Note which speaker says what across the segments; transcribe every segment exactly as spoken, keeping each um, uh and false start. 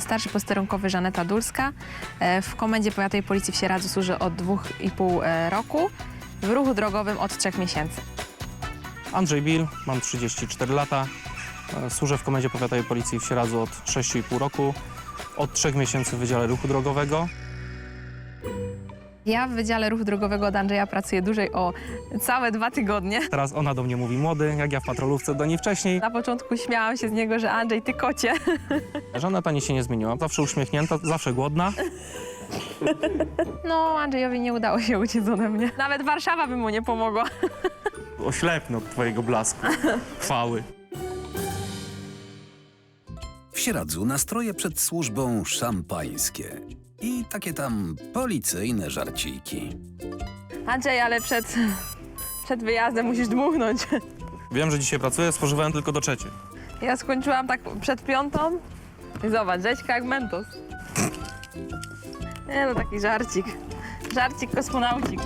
Speaker 1: Starszy posterunkowy Żaneta Dulska. W Komendzie Powiatowej Policji w Sieradzu służę od dwóch i pół roku. W ruchu drogowym od trzech miesięcy.
Speaker 2: Andrzej Bil, mam trzydzieści cztery lata. Służę w Komendzie Powiatowej Policji w Sieradzu od sześciu i pół roku. Od trzech miesięcy w Wydziale Ruchu Drogowego.
Speaker 1: Ja w Wydziale Ruchu Drogowego od Andrzeja pracuję dłużej o całe dwa tygodnie.
Speaker 2: Teraz ona do mnie mówi młody, jak ja w patrolówce do niej wcześniej.
Speaker 1: Na początku śmiałam się z niego, że Andrzej, ty kocie.
Speaker 2: Żaneta nic się nie zmieniła. Zawsze uśmiechnięta, zawsze głodna.
Speaker 1: No, Andrzejowi nie udało się uciec ode mnie. Nawet Warszawa by mu nie pomogła.
Speaker 2: Oślepnę od twojego blasku, chwały.
Speaker 3: W Sieradzu nastroje przed służbą szampańskie i takie tam policyjne żarciki.
Speaker 1: Andrzej, ale przed, przed wyjazdem musisz dmuchnąć.
Speaker 2: Wiem, że dzisiaj pracuję, spożywałem tylko do trzeciej.
Speaker 1: Ja skończyłam tak przed piątą i zobacz, rzeźka jak Mentos. Nie no, taki żarcik. Żarcik kosmonaucik.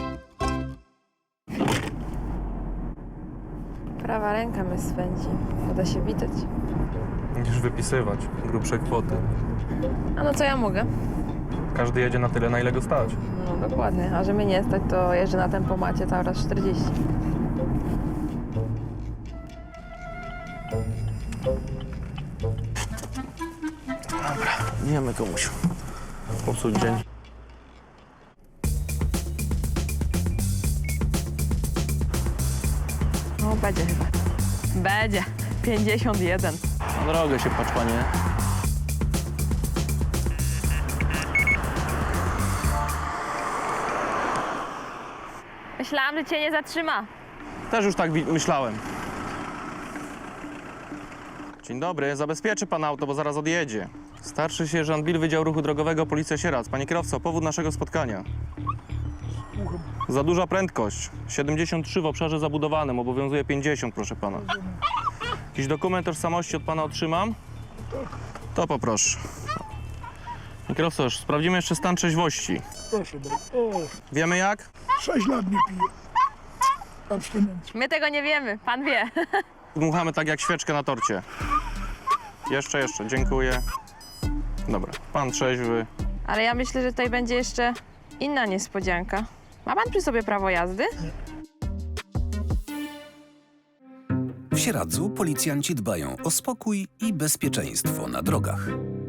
Speaker 1: Prawa ręka mnie swędzi. Uda się witać.
Speaker 2: Musisz wypisywać grubsze kwoty.
Speaker 1: A no co ja mogę?
Speaker 2: Każdy jedzie na tyle, na ile go stać.
Speaker 1: No dokładnie, a że mnie nie stać, to jeżdżę na tempomacie cały raz czterdzieści.
Speaker 2: Dobra, wiemy komuś popsuć dzień.
Speaker 1: No będzie chyba. Będzie. pięćdziesiąt jeden.
Speaker 2: Na drogę się patrz, panie.
Speaker 1: Myślałam, że cię nie zatrzyma.
Speaker 2: Też już tak wi- myślałem. Dzień dobry, zabezpieczy pan auto, bo zaraz odjedzie. Starszy sierżant Bil, Wydział Ruchu Drogowego, Policja Sieradz. Panie kierowco, powód naszego spotkania. Za duża prędkość. siedemdziesiąt trzy w obszarze zabudowanym, obowiązuje pięćdziesiąt, proszę pana. Jakiś dokument tożsamości od pana otrzymam? To poproszę. Panie kierowco, już sprawdzimy jeszcze stan trzeźwości.
Speaker 4: Proszę bardzo. O,
Speaker 2: Wiemy jak?
Speaker 4: sześć lat nie piję. Abstynencja.
Speaker 1: My tego nie wiemy, pan wie.
Speaker 2: Dmuchamy tak jak świeczkę na torcie. Jeszcze, jeszcze, dziękuję. Dobra, pan trzeźwy.
Speaker 1: Ale ja myślę, że tutaj będzie jeszcze inna niespodzianka. Ma pan przy sobie prawo jazdy?
Speaker 3: W Sieradzu policjanci dbają o spokój i bezpieczeństwo na drogach.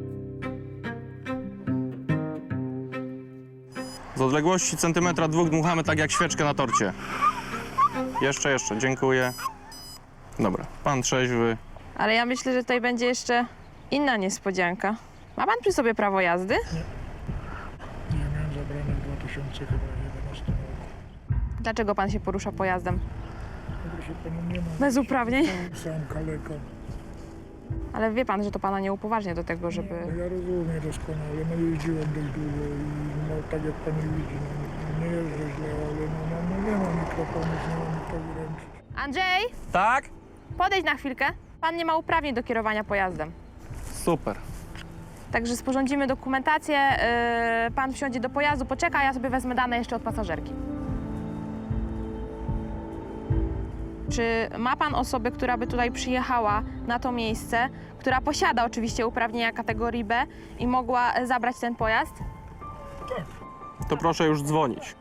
Speaker 2: Z odległości centymetra dwóch dmuchamy tak jak świeczkę na torcie. Jeszcze, jeszcze, dziękuję. Dobra, pan trzeźwy.
Speaker 1: Ale ja myślę, że tutaj będzie jeszcze inna niespodzianka. Ma pan przy sobie prawo jazdy?
Speaker 4: Nie miałem zabrane w dwa tysiące jedenastym roku.
Speaker 1: Dlaczego pan się porusza pojazdem?
Speaker 4: No proszę pana, nie mam.
Speaker 1: Bez uprawnień?
Speaker 4: Sam, sam kaleka.
Speaker 1: Ale wie pan, że to pana nie upoważnia do tego,
Speaker 4: No,
Speaker 1: żeby...
Speaker 4: ja rozumiem doskonale, no jeździłem dość długo i no tak jak pani widzi, no, nie jeżdżę źle, ale no, no, no nie mam mikrofonu, nie mam nikogo ręczyć.
Speaker 1: Andrzej,
Speaker 2: Tak?
Speaker 1: podejdź na chwilkę. Pan nie ma uprawnień do kierowania pojazdem.
Speaker 2: Super.
Speaker 1: Także sporządzimy dokumentację, yy, pan wsiądzie do pojazdu, poczeka, a ja sobie wezmę dane jeszcze od pasażerki. Czy ma pan osobę, która by tutaj przyjechała na to miejsce, która posiada oczywiście uprawnienia kategorii B i mogła zabrać ten pojazd?
Speaker 2: To proszę już dzwonić.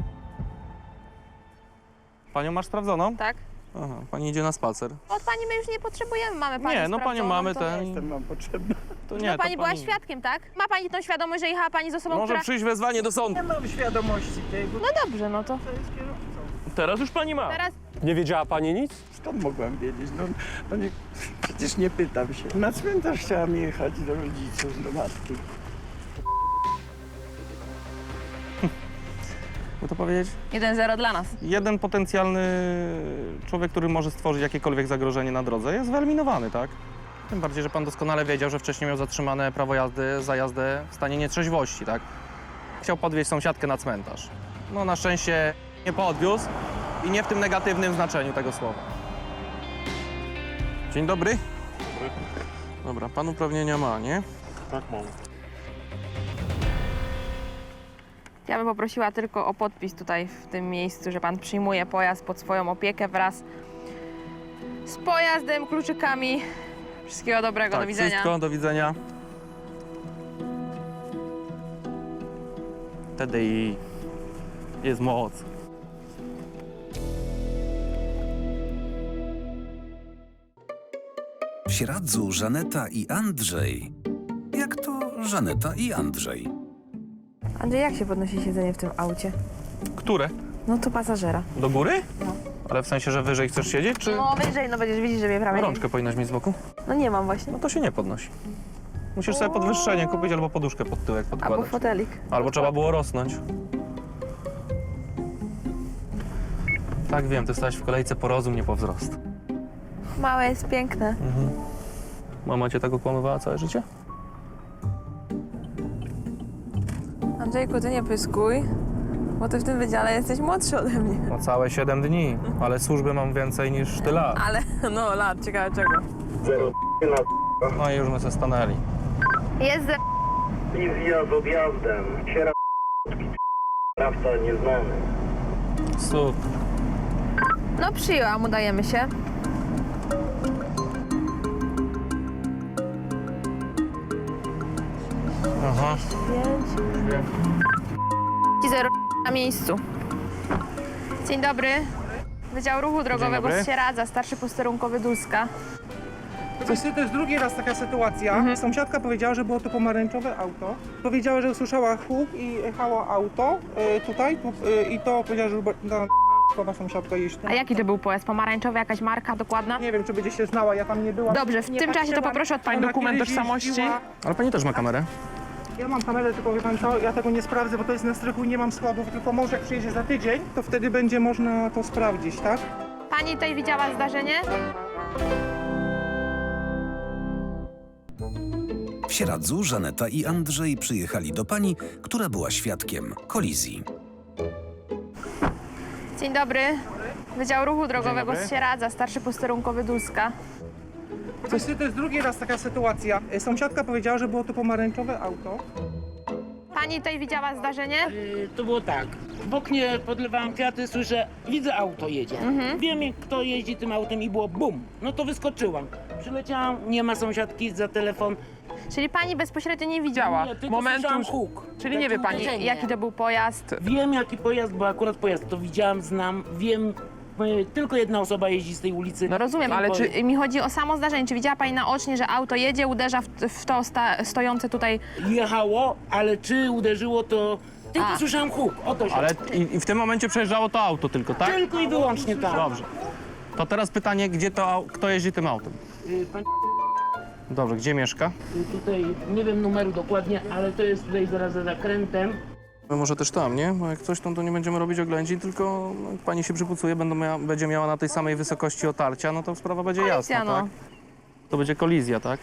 Speaker 2: Panią masz sprawdzoną?
Speaker 1: Tak.
Speaker 2: Aha, pani idzie na spacer.
Speaker 1: Od pani my już nie potrzebujemy, mamy panią
Speaker 2: Nie, no panią
Speaker 1: sprawdzoną,
Speaker 2: mamy
Speaker 1: to...
Speaker 2: ten.
Speaker 4: Mam potrzebne.
Speaker 2: To
Speaker 1: No
Speaker 2: nie,
Speaker 1: pani
Speaker 2: to
Speaker 1: była
Speaker 2: pani...
Speaker 1: świadkiem, tak? Ma pani tą świadomość, że jechała pani z osobą,
Speaker 2: Może
Speaker 1: która...
Speaker 2: przyjść wezwanie do sądu.
Speaker 5: Nie mam świadomości tego,
Speaker 1: No dobrze, no to
Speaker 5: co jest kierowcą.
Speaker 2: Teraz już pani ma.
Speaker 1: teraz...
Speaker 6: Nie wiedziała pani nic?
Speaker 5: Skąd mogłam wiedzieć? No, no nie, przecież nie pytam się. Na cmentarz chciałam jechać do rodziców, do matki.
Speaker 2: By to powiedzieć?
Speaker 1: jeden zero dla nas.
Speaker 2: Jeden potencjalny człowiek, który może stworzyć jakiekolwiek zagrożenie na drodze, jest wyeliminowany, tak? Tym bardziej, że pan doskonale wiedział, że wcześniej miał zatrzymane prawo jazdy za jazdę w stanie nietrzeźwości, tak? Chciał podwieźć sąsiadkę na cmentarz. No na szczęście nie podwiózł i nie w tym negatywnym znaczeniu tego słowa. Dzień dobry. Dobra, pan uprawnienia ma, nie?
Speaker 4: Tak mam.
Speaker 1: Ja bym poprosiła tylko o podpis tutaj w tym miejscu, że pan przyjmuje pojazd pod swoją opiekę wraz z pojazdem, kluczykami. Wszystkiego dobrego,
Speaker 2: Tak,
Speaker 1: do widzenia.
Speaker 2: wszystko, do widzenia. wtedy i jest moc.
Speaker 3: W Sieradzu Żaneta i Andrzej. Jak to Żaneta i Andrzej?
Speaker 1: Andrzej, jak się podnosi siedzenie w tym aucie?
Speaker 2: Które?
Speaker 1: No to pasażera.
Speaker 2: Do góry?
Speaker 1: No.
Speaker 2: Ale w sensie, że wyżej chcesz siedzieć, czy
Speaker 1: No wyżej, no będziesz widzieć, że mnie prawie nie...
Speaker 2: rączkę powinnaś mieć z boku?
Speaker 1: No nie mam właśnie.
Speaker 2: No to się nie podnosi. Musisz sobie podwyższenie kupić albo poduszkę pod tyłek
Speaker 1: Albo
Speaker 2: podkładać.
Speaker 1: fotelik.
Speaker 2: Albo trzeba było rosnąć. Tak, wiem, ty stałeś w kolejce po rozum, nie po wzrost.
Speaker 1: Małe jest piękne.
Speaker 2: Mama cię tak okłamywała całe życie?
Speaker 1: Andrzejku, ty nie pyskuj, bo ty w tym wydziale jesteś młodszy ode mnie.
Speaker 2: No całe siedem dni, ale służby mam więcej niż ty lat.
Speaker 1: Ale, no lat, ciekawe czego.
Speaker 2: No i już my się stanęli.
Speaker 1: Jest ze...
Speaker 6: I zjazd odjazdem. Siera sprawca nieznany.
Speaker 2: Super.
Speaker 1: No przyjęłam, udajemy się.
Speaker 2: Aha.
Speaker 1: zero na miejscu. Dzień dobry. Wydział Ruchu Drogowego
Speaker 2: dobry.
Speaker 1: z Sieradza, starszy posterunkowy Dulska.
Speaker 7: Niestety to jest drugi raz taka sytuacja. Sąsiadka powiedziała, że było to pomarańczowe auto. Powiedziała, że usłyszała huk i jechało auto y, tutaj tu, y, i to powiedziała, że ta k***owa sąsiadka jeździ.
Speaker 1: A jaki to był pojazd? Pomarańczowy, jakaś marka dokładna?
Speaker 7: Nie wiem, czy będzie się znała, ja tam nie byłam.
Speaker 1: Dobrze, w
Speaker 7: nie
Speaker 1: tym czasie to
Speaker 7: patrzyłam.
Speaker 1: poproszę od pani
Speaker 7: Ona
Speaker 1: dokument
Speaker 7: kiedyś
Speaker 1: tożsamości.
Speaker 7: jeździła.
Speaker 2: Ale pani też ma kamerę?
Speaker 7: Ja mam kamerę, tylko wie pan co, ja tego nie sprawdzę, bo to jest na strychu i nie mam składów, tylko może jak przyjedzie za tydzień, to wtedy będzie można to sprawdzić, tak?
Speaker 1: Pani tutaj widziała zdarzenie?
Speaker 3: W Sieradzu Żaneta i Andrzej przyjechali do pani, która była świadkiem kolizji.
Speaker 1: Dzień dobry. Wydział Ruchu Drogowego
Speaker 2: dobry.
Speaker 1: z Sieradza, starszy posterunkowy Dulska.
Speaker 7: Niestety to jest drugi raz taka sytuacja. Y, Sąsiadka powiedziała, że było to pomarańczowe auto.
Speaker 1: Pani tutaj widziała zdarzenie?
Speaker 8: Y, To było tak. W oknie podlewałam kwiaty, słyszę, widzę auto jedzie. Wiem, jak kto jeździ tym autem i było bum. No to wyskoczyłam. Przyleciałam, nie ma sąsiadki za telefon.
Speaker 1: Czyli pani bezpośrednio nie widziała
Speaker 8: Nie, tylko
Speaker 1: momentu,
Speaker 8: słyszałam huk.
Speaker 1: czyli nie wie
Speaker 8: Takie
Speaker 1: pani,
Speaker 8: uderzenie.
Speaker 1: jaki to był pojazd.
Speaker 8: Wiem, jaki pojazd, bo akurat pojazd to widziałam, znam, wiem. y, Tylko jedna osoba jeździ z tej ulicy.
Speaker 1: No rozumiem,
Speaker 8: Ten
Speaker 1: ale
Speaker 8: pojazd.
Speaker 1: czy mi chodzi o samo zdarzenie? Czy widziała pani naocznie, że auto jedzie, uderza w, w to sta, stojące tutaj...
Speaker 8: Jechało, ale czy uderzyło, to tylko
Speaker 1: A.
Speaker 8: słyszałam huk. Oto się.
Speaker 2: Ale i, i w tym momencie przejeżdżało to auto tylko, tak?
Speaker 8: Tylko i wyłącznie tak.
Speaker 2: Dobrze. To teraz pytanie, gdzie to, au- kto jeździ tym autem?
Speaker 8: Y, Pani
Speaker 2: Dobrze, gdzie mieszka?
Speaker 8: y, tutaj, nie wiem numeru dokładnie, ale to jest tutaj zaraz za zakrętem.
Speaker 2: No może też tam, nie? Bo jak coś tam, to nie będziemy robić oględzin, tylko no, jak pani się przypucuje, będą mia będzie miała na tej samej wysokości otarcia, no to sprawa będzie
Speaker 1: Kolizja,
Speaker 2: jasna,
Speaker 1: no.
Speaker 2: tak? To będzie kolizja, tak?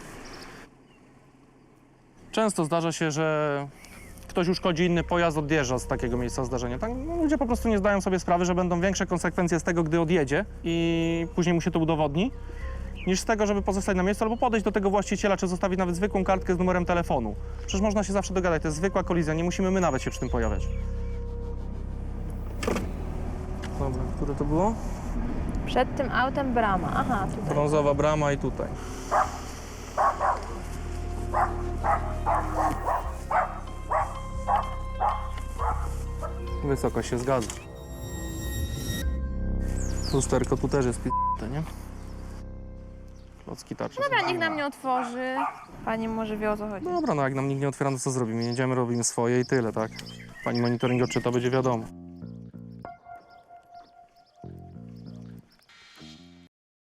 Speaker 2: Często zdarza się, że ktoś uszkodzi inny pojazd, odjeżdża z takiego miejsca zdarzenia. Tak? No, ludzie po prostu nie zdają sobie sprawy, że będą większe konsekwencje z tego, gdy odjedzie i później mu się to udowodni, niż z tego, żeby pozostać na miejscu albo podejść do tego właściciela, czy zostawić nawet zwykłą kartkę z numerem telefonu. Przecież można się zawsze dogadać, to jest zwykła kolizja, nie musimy my nawet się przy tym pojawiać. Dobra, które to było?
Speaker 1: Przed tym autem brama. Aha, tutaj.
Speaker 2: Brązowa brama i tutaj. Wysokość się zgadza. Lusterko tu też jest p***te, nie? Klocki tarcze.
Speaker 1: Dobra, niech nam nie otworzy. Pani może wie, o co chodzi.
Speaker 2: Dobra, no jak nam nikt nie otwiera, no co zrobimy? Jedziemy, robimy swoje i tyle, tak? Pani monitoring odczyta, będzie wiadomo.